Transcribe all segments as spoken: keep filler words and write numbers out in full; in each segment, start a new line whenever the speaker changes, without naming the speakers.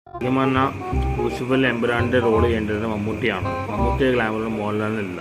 ലൂസിഫറിൽ എമ്പുരാന്റെ role ചെയ്യേണ്ടത് മമ്മൂട്ടിയാണ്. മമ്മൂട്ടിയെ ഗ്ലാമറിലും മോഹൻലാലിനില്ല.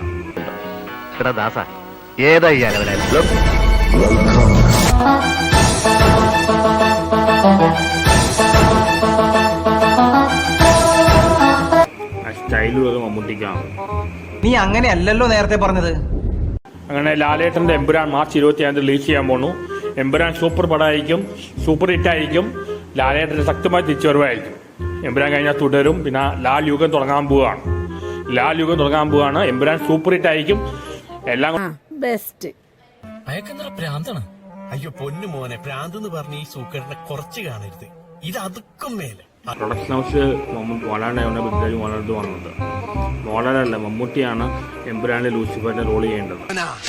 സ്റ്റൈലുള്ളത് മമ്മൂട്ടിക്കാണ്.
നീ അങ്ങനെയല്ലല്ലോ നേരത്തെ പറഞ്ഞത്.
അങ്ങനെ ലാലേട്ടന്റെ എമ്പുരാൻ മാർച്ച് ഇരുപത്തി അഞ്ച് റിലീസ് ചെയ്യാൻ പോണു. എമ്പുരാൻ സൂപ്പർ പടമായിരിക്കും, സൂപ്പർ ഹിറ്റ് ആയിരിക്കും. ലാലേട്ടന്റെ ശക്തമായ തിരിച്ചുവരവായിരിക്കും. എമ്പുരാൻ കഴിഞ്ഞാൽ തുടരും. പിന്നെ ലാൽ യുഗം തുടങ്ങാൻ പോവുകയാണ്. ലാൽ യുഗം തുടങ്ങാൻ പോവുകയാണ്. എമ്പുരാൻ സൂപ്പർ ഹിറ്റ് ആയിരിക്കും. എല്ലാം
ബെസ്റ്റ്.
അയക്കെന്താ പ്രാന്താണ്? അയ്യോ പൊന്നു മോനെ, പ്രാന്ത് എന്ന് പറഞ്ഞ ഈ സൂക്കറിനെ കുറച്ച് കാണരുത്. ഇത് അതുക്കും മേലെ.
പ്രൊഡക്ഷൻ ഹൗസ് മോഹൻലാലിനെ പൃഥ്വിരാജ് മോഹൻലാലിന് വന്നത്. മോഹൻലാലല്ല, മമ്മൂട്ടിയാണ് എമ്പുരാനിലെ ലൂസിഫറിന്റെ റോൾ ചെയ്യേണ്ടത്.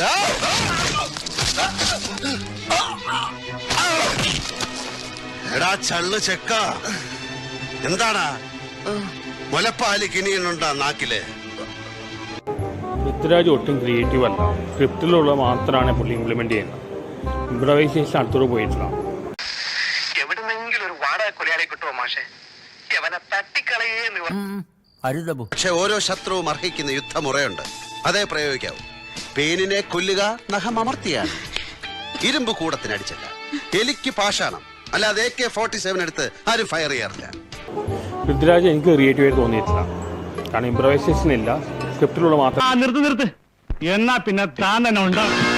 എടാ ചള്ളു ചെക്ക, എന്താടാ മുലപ്പാല് കിനിയുണ്ടാ നാക്കില്?
പൃഥ്വിരാജ് ഒട്ടും ക്രിയേറ്റീവ് അല്ല. സ്ക്രിപ്റ്റിലുള്ള മാത്രമാണ് പുള്ളി ഇംപ്ലിമെന്റ് ചെയ്യുന്നത്. ഇംപ്രവൈസേഷൻ അടുത്തോട് പോയിട്ടില്ല.
എവിടെന്നെങ്കിലും ഒരു വാടക കൊലയാളെ കിട്ടുമോ മാഷെ? അവനെ തട്ടിക്കളയേ.
പക്ഷെ ഓരോ ശത്രുവും അർഹിക്കുന്ന യുദ്ധമുറയുണ്ട്. അതേ പ്രയോഗിക്കാവൂ. പേനിനെ കൊല്ലുക നഖം അമർത്തിയാണ്. ഇരുമ്പ് കൂടത്തിനടിച്ചല്ല. എലിക്ക് പാഷാണം. അല്ലാതെ എ കെ ഫോർട്ടി സെവൻ എടുത്ത് ആരും ഫയർ ചെയ്യാറില്ല.
പൃഥ്വിരാജ് എനിക്ക് ക്രിയേറ്റീവായിട്ട് തോന്നിയിട്ടില്ല. കാരണം ഇംപ്രവൈസേഷൻ ഇല്ല, സ്ക്രിപ്റ്റിലുള്ള മാത്രം.
നിർത്ത് നിർത്ത് എന്നാ പിന്നെ താൻ തന്നെ ഉണ്ടാവും.